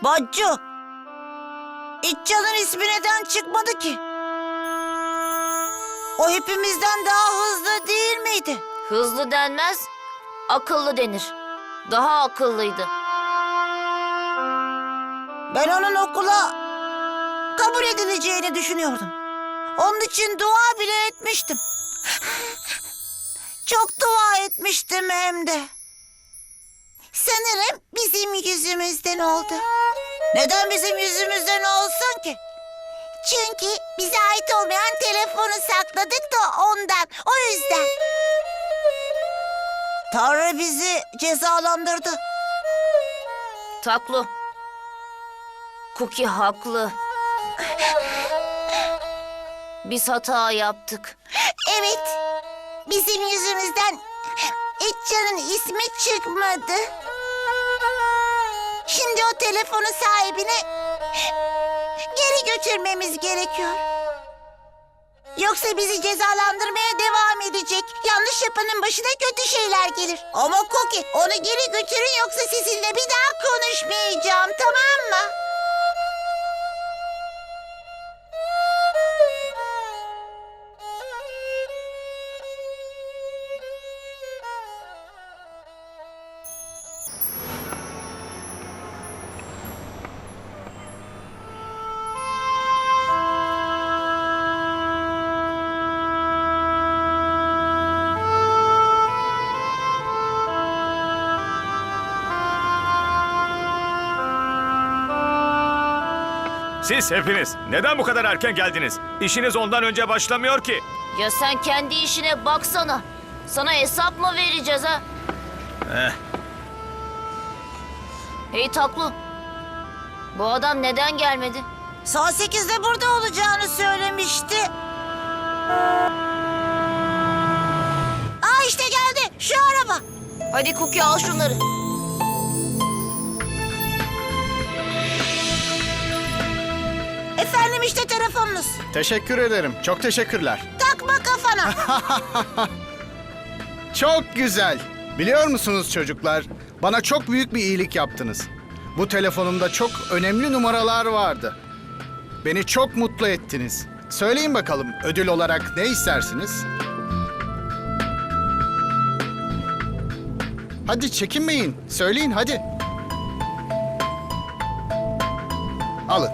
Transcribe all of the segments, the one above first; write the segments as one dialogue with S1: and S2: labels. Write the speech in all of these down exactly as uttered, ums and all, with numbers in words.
S1: Baccu, İtcan'ın ismi neden çıkmadı ki? O hepimizden daha hızlı değil miydi?
S2: Hızlı denmez, akıllı denir. Daha akıllıydı.
S1: Ben onun okula kabul edileceğini düşünüyordum. Onun için dua bile etmiştim. Çok dua etmiştim hem de. Sanırım bizim yüzümüzden oldu. Neden bizim yüzümüzden olsun ki? Çünkü bize ait olmayan telefonu sakladık da ondan. O yüzden. Tanrı bizi cezalandırdı.
S2: Taklu. Cookie haklı. Biz hata yaptık.
S1: Evet. Bizim yüzümüzden İtcan'ın ismi çıkmadı. Şimdi o telefonu sahibine geri götürmemiz gerekiyor. Yoksa bizi cezalandırmaya devam edecek. Yanlış yapanın başına kötü şeyler gelir. Ama Cookie, onu geri götürün yoksa sizinle bir daha konuşmayacağım, tamam mı?
S3: Siz hepiniz neden bu kadar erken geldiniz? İşiniz ondan önce başlamıyor ki.
S2: Ya sen kendi işine baksana. Sana hesap mı vereceğiz ha?
S3: Eh,
S2: Hey Taklu. Bu adam neden gelmedi?
S1: Saat sekizde burada olacağını söylemişti. Aa işte geldi. Şu araba.
S2: Hadi Cookie al şunları.
S1: Efendim işte telefonunuz.
S4: Teşekkür ederim. Çok teşekkürler.
S1: Takma kafana.
S4: Çok güzel. Biliyor musunuz çocuklar? Bana çok büyük bir iyilik yaptınız. Bu telefonumda çok önemli numaralar vardı. Beni çok mutlu ettiniz. Söyleyin bakalım ödül olarak ne istersiniz? Hadi çekinmeyin. Söyleyin hadi. Alın.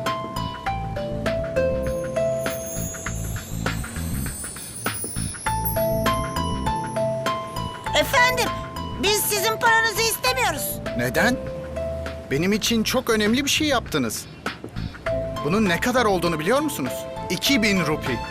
S1: Efendim, biz sizin paranızı istemiyoruz.
S4: Neden? Benim için çok önemli bir şey yaptınız. Bunun ne kadar olduğunu biliyor musunuz? iki bin rupi.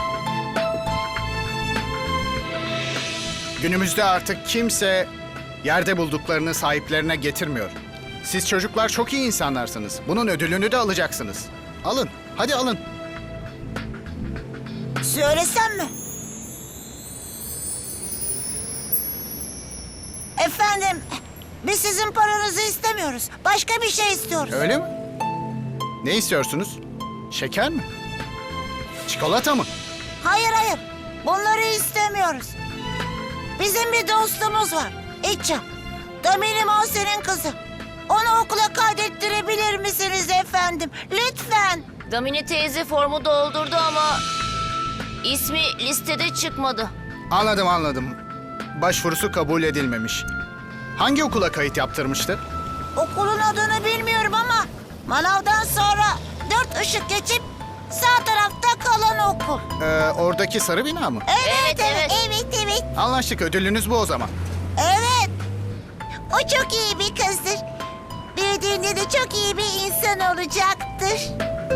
S4: Günümüzde artık kimse yerde bulduklarını sahiplerine getirmiyor. Siz çocuklar çok iyi insanlarsınız. Bunun ödülünü de alacaksınız. Alın, hadi alın.
S1: Söylesem mi? Efendim, biz sizin paranızı istemiyoruz. Başka bir şey istiyoruz.
S4: Öyle mi? Ne istiyorsunuz? Şeker mi? Çikolata mı?
S1: Hayır hayır, bunları istemiyoruz. Bizim bir dostumuz var, İtça. Damini Monse'nin kızı. Onu okula kaydettirebilir misiniz efendim? Lütfen.
S2: Damini teyze formu doldurdu ama ismi listede çıkmadı.
S4: Anladım, anladım. Başvurusu kabul edilmemiş. Hangi okula kayıt yaptırmıştı?
S1: Okulun adını bilmiyorum ama manavdan sonra dört ışık geçip sağ tarafta kalan okul.
S4: Ee, oradaki sarı bina mı?
S1: Evet,
S2: Evet,
S1: evet, evet, evet.
S4: Anlaştık, ödülünüz bu o zaman.
S1: Evet. O çok iyi bir kızdır. Büyüdüğünde de çok iyi bir insan olacaktır.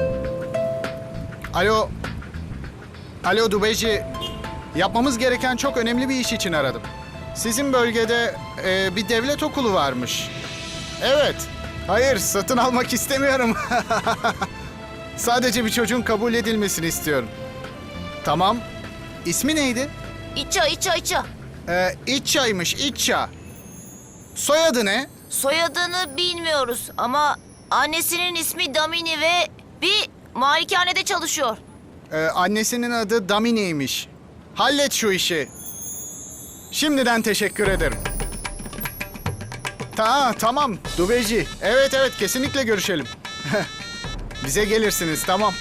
S4: Alo. Alo Dubeci. Yapmamız gereken çok önemli bir iş için aradım. Sizin bölgede e, bir devlet okulu varmış. Evet. Hayır, satın almak istemiyorum. Sadece bir çocuğun kabul edilmesini istiyorum. Tamam. İsmi neydi?
S2: İça, İça, İça.
S4: Ee, İtça'ymış, İtça. Soyadı ne?
S2: Soyadını bilmiyoruz ama annesinin ismi Damini ve bir malikanede çalışıyor.
S4: Ee, annesinin adı Damini'ymiş. Hallet şu işi. Şimdiden teşekkür ederim. Ta tamam Dubeci. Evet evet kesinlikle görüşelim. Bize gelirsiniz tamam.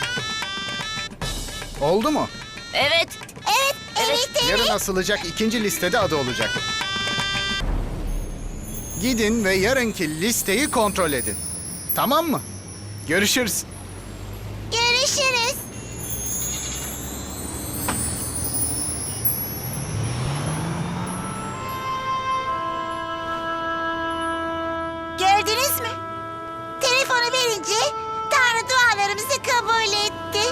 S4: Oldu mu?
S2: Evet.
S1: Evet, evet, evet.
S4: Yarın asılacak ikinci listede adı olacak. Gidin ve yarınki listeyi kontrol edin. Tamam mı? Görüşürüz.
S1: Görüşürüz. Gördünüz mü? Telefonu verince Tanrı dualarımızı kabul etti.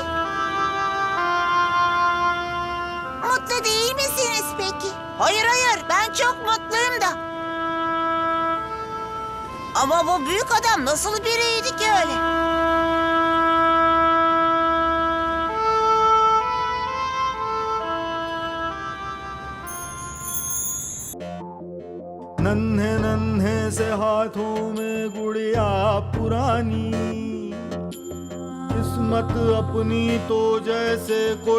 S1: Mutlu değil misiniz peki? Hayır hayır, ben çok mutluyum da. Ama bu büyük adam nasıl biriydi ki öyle?
S5: नन्हे नन्हे से हाथों में गुड़िया पुरानी किस्मत अपनी तो जैसे कोई